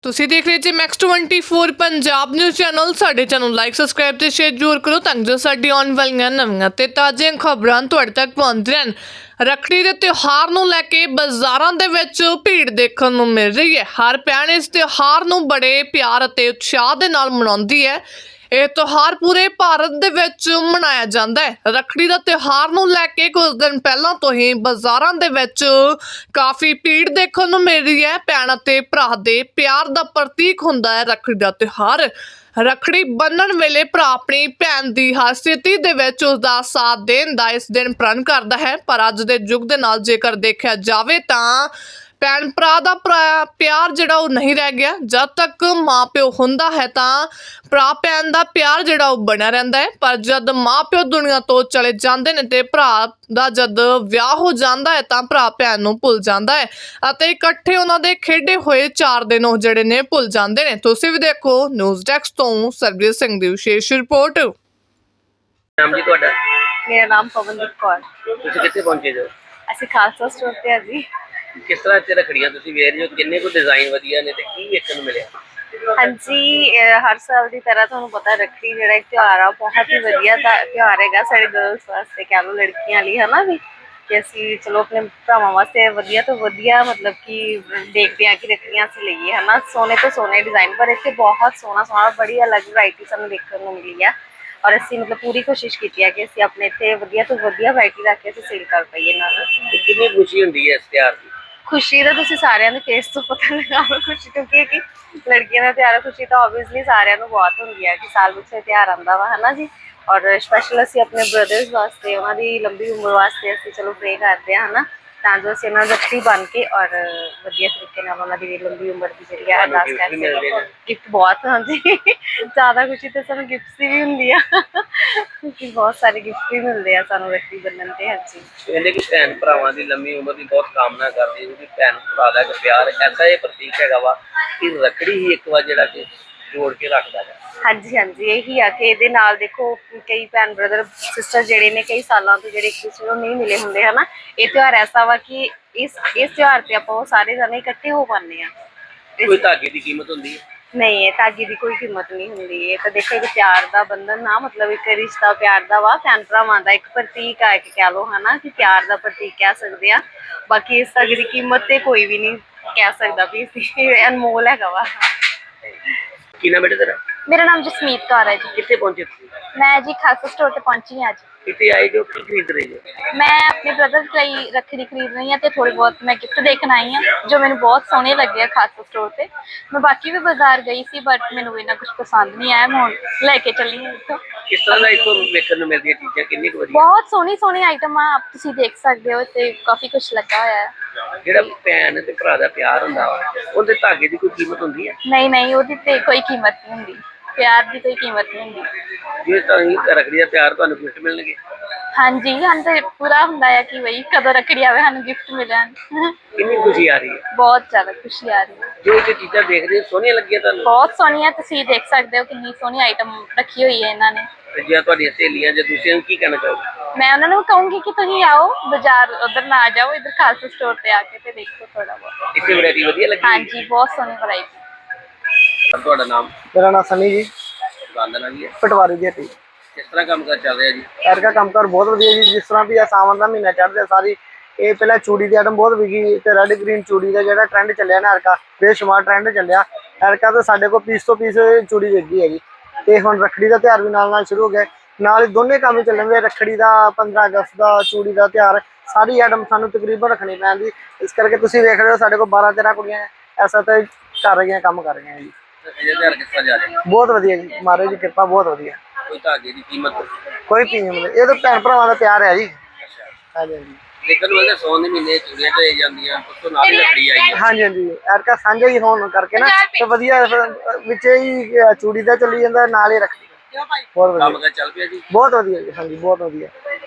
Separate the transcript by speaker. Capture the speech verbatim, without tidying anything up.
Speaker 1: ਤੁਸੀਂ ਦੇਖ ਰਹੇ ਜੀ Max twenty four Punjab news channel. ਸਾਡੇ ਚੈਨਲ ਲਾਈਕ ਸਬਸਕ੍ਰਾਈਬ ਤੇ ਸ਼ੇਅਰ ਜ਼ਰੂਰ ਕਰੋ ਤਾਂ ਜੋ ਸਾਡੀ ਆਉਣ ਵਾਲੀਆਂ ਨਵੀਆਂ ਤੇ ਤਾਜ਼ੀਆਂ ਖਬਰਾਂ ਤੁਹਾਡੇ ਤੱਕ ਪਹੁੰਚਦੀਆਂ ਰਹਿਣ। ਰੱਖੜੀ ਦੇ ਤਿਉਹਾਰ ਨੂੰ ਲੈ ਕੇ ਬਾਜ਼ਾਰਾਂ ਦੇ ਵਿੱਚ ਭੀੜ ਦੇਖਣ ਨੂੰ ਮਿਲ ਰਹੀ ਹੈ। ਹਰ ਭੈਣ ਇਸ ਤਿਉਹਾਰ ਨੂੰ ਬੜੇ ਪਿਆਰ ਅਤੇ ਉਤਸ਼ਾਹ ਦੇ ਨਾਲ ਮਨਾਉਂਦੀ ਹੈ। ਇਹ ਤਿਉਹਾਰ ਪੂਰੇ ਭਾਰਤ ਦੇ ਵਿੱਚ ਮਨਾਇਆ ਜਾਂਦਾ ਹੈ। ਰੱਖੜੀ ਦਾ ਤਿਉਹਾਰ ਨੂੰ ਲੈ ਕੇ ਕੁਝ ਦਿਨ ਪਹਿਲਾਂ ਤੋਂ ਹੀ ਬਾਜ਼ਾਰਾਂ ਦੇ ਵਿੱਚ ਕਾਫੀ ਭੀੜ ਦੇਖਣ ਨੂੰ ਮਿਲ ਰਹੀ ਹੈ। ਭੈਣ ਅਤੇ ਭਰਾ ਦੇ ਪਿਆਰ ਦਾ ਪ੍ਰਤੀਕ ਹੁੰਦਾ ਹੈ ਰੱਖੜੀ ਦਾ ਤਿਉਹਾਰ। ਰੱਖੜੀ ਬੰਨ੍ਹਣ ਵੇਲੇ ਭਰਾ ਆਪਣੀ ਭੈਣ ਦੀ ਹਰ ਸਥਿਤੀ ਦੇ ਵਿੱਚ ਉਸ ਦਾ ਸਾਥ ਦੇਣ ਦਾ ਇਸ ਦਿਨ ਪ੍ਰਣ ਕਰਦਾ ਹੈ। ਪਰ ਅੱਜ ਦੇ ਯੁੱਗ ਦੇ ਨਾਲ ਜੇਕਰ ਦੇਖਿਆ ਜਾਵੇ ਤਾਂ ਭੈਣ ਭਰਾ ਦਾ ਪਿਆਰ ਜਿਹੜਾ ਉਹ ਨਹੀਂ ਰਹਿ ਗਿਆ। ਜਦ ਤੱਕ ਮਾਂ ਪਿਓ ਹੁੰਦਾ ਹੈ ਤਾਂ ਭਰਾ ਭੈਣ ਦਾ ਪਿਆਰ ਜਿਹੜਾ ਉਹ ਬਣਿਆ ਰਹਿੰਦਾ ਹੈ। ਪਰ ਜਦ ਮਾਂ ਪਿਓ ਦੁਨੀਆ ਤੋਂ ਚਲੇ ਜਾਂਦੇ ਨੇ ਤੇ ਭਰਾ ਦਾ ਜਦ ਵਿਆਹ ਹੋ ਜਾਂਦਾ ਹੈ ਤਾਂ ਭਰਾ ਭੈਣ ਨੂੰ ਭੁੱਲ ਜਾਂਦਾ ਹੈ ਅਤੇ ਇਕੱਠੇ ਉਹਨਾਂ ਦੇ ਖੇਡੇ ਹੋਏ ਚਾਰ ਦਿਨ ਉਹ ਜਿਹੜੇ ਨੇ ਭੁੱਲ ਜਾਂਦੇ ਨੇ। ਤੁਸੀਂ ਵੀ ਦੇਖੋ ਨਿਊਜ਼ ਡੈਸਕ ਤੋਂ ਸਰਬਜੀਤ ਸਿੰਘ ਦੀ ਵਿਸ਼ੇਸ਼ ਰਿਪੋਰਟ।
Speaker 2: ਨਾਮ ਜੀ ਤੁਹਾਡਾ?
Speaker 3: ਮੇਰਾ ਨਾਮ ਪਵਨਦੀਪ ਕੌਰ।
Speaker 2: ਤੁਸੀਂ ਕਿੱਥੇ ਪਹੁੰਚੇ ਜੋ?
Speaker 3: ਅਸੀਂ ਖਾਲਸਾ ਸਟੋਰ ਤੇ ਆ ਜੀ।
Speaker 2: ਕਿਸ ਤਰ੍ਹਾਂ ਤੇ ਰੱਖੜੀਆਂ ਤੁਸੀਂ ਵੇਖ ਰਹੇ ਹੋ, ਕਿੰਨੇ ਕੁ ਡਿਜ਼ਾਈਨ ਵਧੀਆ ਨੇ ਤੇ ਕੀ ਵੇਖਣ ਨੂੰ ਮਿਲਿਆ?
Speaker 3: ਹਾਂਜੀ, ਹਰ ਸਾਲ ਦੀ ਤਰ੍ਹਾਂ ਤੁਹਾਨੂੰ ਪਤਾ ਰੱਖੜੀ ਜਿਹੜਾ ਇੱਕ ਤਿਉਹਾਰ ਆ ਬਹੁਤ ਹੀ ਵਧੀਆ ਤਿਉਹਾਰ ਹੈਗਾ ਸਾਡੇ ਗਰਲਸ ਵਾਸਤੇ, ਕਹਿ ਲਓ ਲੜਕੀਆਂ ਲਈ, ਹੈ ਨਾ ਵੀ ਕਿ ਅਸੀਂ ਚਲੋ ਆਪਣੇ ਭਰਾਵਾਂ ਵਾਸਤੇ ਵਧੀਆ ਤੋਂ ਵਧੀਆ ਮਤਲਬ ਕਿ ਦੇਖਦੇ ਹਾਂ ਕਿ ਰੱਖੜੀਆਂ ਅਸੀਂ ਲਈਏ, ਹੈ ਨਾ। ਸੋਨੇ ਤੋਂ ਸੋਨੇ ਡਿਜ਼ਾਈਨ, ਪਰ ਇੱਥੇ ਬਹੁਤ ਸੋਹਣਾ ਸੋਹਣਾ ਬੜੀ ਅਲੱਗ ਵਰਾਇਟੀ ਸਾਨੂੰ ਦੇਖਣ ਨੂੰ ਮਿਲੀ ਆ। ਔਰ ਅਸੀਂ ਮਤਲਬ ਪੂਰੀ ਕੋਸ਼ਿਸ਼ ਕੀਤੀ ਹੈ ਕਿ ਅਸੀਂ ਆਪਣੇ ਇੱਥੇ ਵਧੀਆ ਤੋਂ ਵਧੀਆ ਵਰਾਇਟੀ ਰੱਖ ਕੇ ਅਸੀਂ ਸੇਲ ਕਰ ਪਾਈਏ ਨਾਲ।
Speaker 2: ਕਿੰਨੀ ਖੁਸ਼ੀ ਹੁੰਦੀ ਹੈ ਇਸ ਤਿਉਹਾਰ ਦੀ? ਖੁਸ਼ੀ
Speaker 3: ਤਾਂ ਤੁਸੀਂ ਸਾਰਿਆਂ ਦੇ ਫੇਸ ਤੋਂ ਪਤਾ ਲਗਾ ਲਓ। ਖੁਸ਼ੀ ਕਿਉਂਕਿ ਕਿ ਲੜਕੀਆਂ ਦਾ ਤਿਉਹਾਰ, ਖੁਸ਼ੀ ਤਾਂ ਓਬਵੀਅਸਲੀ ਸਾਰਿਆਂ ਨੂੰ ਬਹੁਤ ਹੁੰਦੀ ਹੈ ਕਿ ਸਾਲ ਵਿੱਚ ਤਿਉਹਾਰ ਆਉਂਦਾ ਵਾ, ਹੈ ਨਾ ਜੀ। ਔਰ ਸਪੈਸ਼ਲ ਅਸੀਂ ਆਪਣੇ ਬ੍ਰਦਰਸ ਵਾਸਤੇ, ਉਹਨਾਂ ਦੀ ਲੰਬੀ ਉਮਰ ਵਾਸਤੇ ਅਸੀਂ ਚਲੋ ਪ੍ਰੇ ਕਰਦੇ ਹਾਂ, ਹੈ ਨਾ, ਤਾਂ ਜੋ ਅਸੀਂ ਉਹਨਾਂ ਦੀ ਰੱਖੜੀ ਬਣ ਕੇ ਔਰ ਵਧੀਆ ਤਰੀਕੇ ਨਾਲ ਉਹਨਾਂ ਦੀ ਲੰਬੀ ਉਮਰ ਦੀ ਜਿਹੜੀ ਆ ਅਰਦਾਸ ਕਰ ਸਕਦੇ। ਗਿਫਟ ਬਹੁਤ, ਹਾਂਜੀ, ਜ਼ਿਆਦਾ ਖੁਸ਼ੀ ਤਾਂ ਸਾਨੂੰ ਗਿਫਟਸ ਦੀ ਵੀ ਹੁੰਦੀ ਆ ਕਿਉਂਕਿ ਬਹੁਤ ਸਾਰੇ ਗਿਫਟ ਵੀ ਮਿਲਦੇ ਆ ਸਾਨੂੰ ਰੱਖੜੀ ਬੰਨ੍ਹਣ ਤੇ। ਹਾਂਜੀ,
Speaker 2: ਕਹਿੰਦੇ ਕਿ ਭੈਣ ਭਰਾਵਾਂ ਦੀ ਲੰਮੀ ਉਮਰ ਦੀ ਬਹੁਤ ਕਾਮਨਾ ਕਰਦੇ ਕਿਉਂਕਿ ਭੈਣ ਭਰਾ ਦਾ ਪਿਆਰ ਐਸਾ ਇਹ ਪ੍ਰਤੀਕ ਹੈਗਾ ਵਾ ਕਿ ਰੱਖੜੀ ਹੀ ਇੱਕ ਵਾਰ ਜਿਹੜਾ ਕਿ ਜੋੜ ਕੇ ਰੱਖਦਾ ਹੈ।
Speaker 3: ਹਾਂਜੀ ਹਾਂਜੀ, ਇਹੀ ਆ ਕਿ ਇਹਦੇ ਨਾਲ ਦੇਖੋ ਕਈ ਭੈਣ ਬ੍ਰਦਰ ਸਿਸਟਰ ਜਿਹੜੇ ਨੇ ਕਈ ਸਾਲਾਂ ਤੋਂ ਜਿਹੜੇ ਇੱਕ ਦੂਸਰੇ ਨੂੰ ਨਹੀਂ ਮਿਲੇ ਹੁੰਦੇ, ਹੈ ਨਾ। ਇਹ ਤਿਉਹਾਰ ਐਸਾ ਵਾ ਕਿ ਇਸ ਇਸ ਤਿਉਹਾਰ ਤੇ ਆਪਾਂ ਉਹ ਸਾਰੇ ਜਣੇ ਇਕੱਠੇ ਹੋ ਪਾਉਂਦੇ ਆ।
Speaker 2: ਕੋਈ ਧਾਗੇ ਦੀ ਕੀਮਤ ਹੁੰਦੀ ਹੈ?
Speaker 3: ਨਹੀਂ, ਇਹ ਧਾਗੇ ਦੀ ਕੋਈ ਕੀਮਤ ਨਹੀਂ ਹੁੰਦੀ। ਇਹ ਤਾਂ ਦੇਖੋ ਇੱਕ ਪਿਆਰ ਦਾ ਬੰਧਨ ਨਾ, ਮਤਲਬ ਇੱਕ ਰਿਸ਼ਤਾ ਪਿਆਰ ਦਾ ਵਾ, ਭੈਣ ਭਰਾਵਾਂ ਦਾ ਇੱਕ ਪ੍ਰਤੀਕ ਆ, ਇੱਕ ਕਹਿ ਲਓ, ਹੈ ਨਾ, ਕਿ ਪਿਆਰ ਦਾ ਪ੍ਰਤੀਕ ਕਹਿ ਸਕਦੇ ਆ। ਬਾਕੀ ਇਸ ਧਾਗੇ ਦੀ ਕੀਮਤ ਤੇ ਕੋਈ ਵੀ ਨਹੀਂ ਕਹਿ ਸਕਦਾ ਵੀ ਇਹ ਅਨਮੋਲ ਹੈਗਾ ਵਾ।
Speaker 2: ਕੀ ਨਾਮ ਬੇਟਾ ਤੇਰਾ?
Speaker 4: मेरा नाम जसमीत कौर है जी।
Speaker 2: कितने पहुंचे थे?
Speaker 4: मैं जी खालसा स्टोर पे पहुंची हूँ आज।
Speaker 2: कितने आए जो खरीद रहे हो?
Speaker 4: मैं अपने ब्रदर के लिए रखड़ी खरीद रही हूँ तो थोड़ी बहुत मैं गिफ्ट देखने आई हूँ जो मैंने बहुत सोहने लगे खालसा स्टोर पे। मैं बाकी भी बाजार गई सी बट मैंने इन्ना कुछ पसंद नहीं आया, मैं हुण लैके चली हूँ इत्थों।
Speaker 2: किस तरह का इत्थों देखने को मिलती है चीज़ें? कितनी कुछ
Speaker 4: बहुत सोहनी सोहनी आइटम आप तुसीं देख सकते हो ते काफ़ी कुछ लगा होया है।
Speaker 2: ਜਿਹੜਾ ਭੈਣ ਤੇ ਭਰਾ ਦਾ ਪਿਆਰ ਹੁੰਦਾ ਵਾ ਉਹਦੇ ਧਾਗੇ ਦੀ ਕੋਈ ਕੀਮਤ ਹੁੰਦੀ ਹੈ?
Speaker 4: नहीं नहीं ਉਹਦੀ ਤੇ ਕੋਈ ਕੀਮਤ ਨਹੀਂ ਹੁੰਦੀ, ਪਿਆਰ ਦੀ ਕੋਈ ਕੀਮਤ ਨਹੀਂ ਹੁੰਦੀ।
Speaker 2: ਜੇ ਤਾਂ ਰੱਖੜੀ ਦਾ ਪਿਆਰ ਤੁਹਾਨੂੰ ਗਿਫਟ ਮਿਲਣਗੇ?
Speaker 4: ਹਾਂਜੀ, ਸਾਨੂੰ ਤੇ ਪੂਰਾ ਹੁੰਦਾ ਹੈ ਕਿ ਬਈ ਕਦੋਂ ਰੱਖੜੀ ਆਵੇ ਸਾਨੂੰ ਗਿਫਟ ਮਿਲਣ।
Speaker 2: ਕਿੰਨੀ ਖੁਸ਼ੀ ਆ ਰਹੀ ਹੈ?
Speaker 4: ਬਹੁਤ ਜ਼ਿਆਦਾ ਖੁਸ਼ੀ ਆ ਰਹੀ ਹੈ।
Speaker 2: ਜੋ ਇਹ ਚੀਜ਼ਾਂ ਦੇਖਦੇ ਸੋਹਣੀਆਂ ਲੱਗੀਆਂ ਤੁਹਾਨੂੰ?
Speaker 4: ਬਹੁਤ ਸੋਹਣੀਆਂ, ਤੁਸੀਂ ਦੇਖ ਸਕਦੇ ਹੋ ਕਿੰਨੀ ਸੋਹਣੀ ਆਈਟਮ ਰੱਖੀ ਹੋਈ ਹੈ ਇਹਨਾਂ ਨੇ।
Speaker 2: ਤੇ ਜੇ ਤੁਹਾਡੀਆਂ ਸਹੇਲੀਆਂ ਜਾਂ ਦੂਸਰਿਆਂ ਨੂੰ ਕੀ ਕਹਿਣਾ ਚਾਹੋਗੇ?
Speaker 4: ਮੈਂ ਉਹਨਾਂ ਨੂੰ ਕਹੂੰਗੀ ਕਿ ਤੁਸੀਂ ਆਓ ਬਾਜ਼ਾਰ, ਉਧਰ ਨਾ ਜਾਓ, ਇੱਧਰ ਖਾਲਸਾ ਸਟੋਰ ਤੇ ਆ ਕੇ ਤੇ ਦੇਖੋ ਥੋੜਾ ਬਹੁਤ।
Speaker 2: ਇੱਥੇ ਵੈਰਾਈਟੀ ਵਧੀਆ ਲੱਗੀ?
Speaker 4: ਹਾਂਜੀ, ਬਹੁਤ ਸੋਹਣੀ ਵੈਰਾਈਟੀ।
Speaker 2: ਤੁਹਾਡਾ ਨਾਮ?
Speaker 5: ਮੇਰਾ ਨਾਮ ਸਨੀ ਜੀ,
Speaker 2: ਦੁਕਾਨ ਦਾ ਨਾਮ ਕੀ ਹੈ?
Speaker 5: ਪਟਵਾਰੀ ਦੀ ਹੱਟੀ।
Speaker 2: ਕਿਸ ਤਰ੍ਹਾਂ ਕੰਮ ਕਰ ਚੱਲ ਰਿਹਾ ਜੀ?
Speaker 5: ਐਰ ਦਾ ਕੰਮ ਕਰ ਬਹੁਤ ਵਧੀਆ ਜੀ। ਜਿਸ ਤਰ੍ਹਾਂ ਵੀ ਆ ਸਾਵਣ ਦਾ ਮਹੀਨਾ ਚੜ੍ਹਦਾ ਸਾਰੀ ਇਹ ਪਹਿਲਾਂ ਚੂੜੀ ਦੀ ਆਈਟਮ ਬਹੁਤ ਵਿਕੀ ਤੇ ਰੈੱਡ ਗ੍ਰੀਨ ਚੂੜੀ ਦਾ ਜਿਹੜਾ ਟ੍ਰੈਂਡ ਚੱਲਿਆ ਨਾ ਐਰਕਾ ਬੇਸ਼ੁਮਾਰ ਟ੍ਰੈਂਡ ਚੱਲਿਆ। ਐਰਕਾ ਤਾਂ ਸਾਡੇ ਕੋਲ ਪੀਸ ਤੋਂ ਪੀਸ ਚੂੜੀ ਵਿਕੀ ਹੈਗੀ। ਤੇ ਹੁਣ ਰੱਖੜੀ ਦਾ ਤਿਉਹਾਰ ਵੀ ਨਾਲ ਨਾਲ ਸ਼ੁਰੂ ਹੋ ਗਿਆ, ਨਾਲ ਹੀ ਦੋਨੇ ਕੰਮ ਹੀ ਚੱਲਣਗੇ। ਰੱਖੜੀ ਦਾ ਪੰਦਰਾਂ ਅਗਸਤ ਦਾ, ਚੂੜੀ ਦਾ ਤਿਉਹਾਰ, ਸਾਰੀ ਆਈਟਮ ਸਾਨੂੰ ਤਕਰੀਬਨ ਰੱਖਣੀ ਪੈਂਦੀ। ਇਸ ਕਰਕੇ ਤੁਸੀਂ ਵੇਖ ਰਹੇ ਹੋ ਸਾਡੇ ਕੋਲ ਬਾਰਾਂ ਤੇਰਾਂ ਕੁੜੀਆਂ ਐਸਾ ਤਾਂ ਕਰ ਰਹੀਆਂ, ਕੰਮ ਕਰ ਰਹੀਆਂ ਜੀ।
Speaker 2: ਇਹ ਤਿਉਹਾਰ ਕਿਸ ਤਰ੍ਹਾਂ ਜਾ ਰਿਹਾ?
Speaker 5: ਬਹੁਤ ਵਧੀਆ ਜੀ, ਮਹਾਰਾਜ ਦੀ ਕਿਰਪਾ ਬਹੁਤ ਵਧੀਆ।
Speaker 2: ਕੋਈ ਧਾਗੇ ਦੀ ਕੀਮਤ?
Speaker 5: ਕੋਈ ਕੀਮਤ ਨਹੀਂ, ਇਹ ਤਾਂ ਭੈਣ ਭਰਾਵਾਂ ਦਾ ਪਿਆਰ ਹੈ ਜੀ। ਹਾਂਜੀ ਹਾਂਜੀ,
Speaker 2: ਲੇਕਿਨ ਉਹਦੇ ਸੌਣ ਦੇ ਮਹੀਨੇ ਚੂੜੀਆਂ ਤੇ ਜਾਂਦੀਆਂ, ਉਸ ਤੋਂ ਨਾਲ ਹੀ ਰੱਖੜੀ ਆਈ ਹੈ।
Speaker 5: ਹਾਂਜੀ ਹਾਂਜੀ, ਐਰਕਾ ਸਾਂਝਾ ਹੀ ਹੋਣ ਕਰਕੇ ਨਾ ਤੇ ਵਧੀਆ ਵਿੱਚ ਹੀ ਚੂੜੀ ਦਾ ਚੱਲੀ ਜਾਂਦਾ, ਨਾਲ ਹੀ ਰੱਖੜੀ। ਬਹੁਤ
Speaker 2: ਕੰਮ
Speaker 5: ਵਧੀਆ,
Speaker 2: ਕਰ ਚੱਲ ਪਿਆ ਜੀ?
Speaker 5: ਬਹੁਤ ਵਧੀਆ ਜੀ। ਹਾਂਜੀ, ਬਹੁਤ ਵਧੀਆ।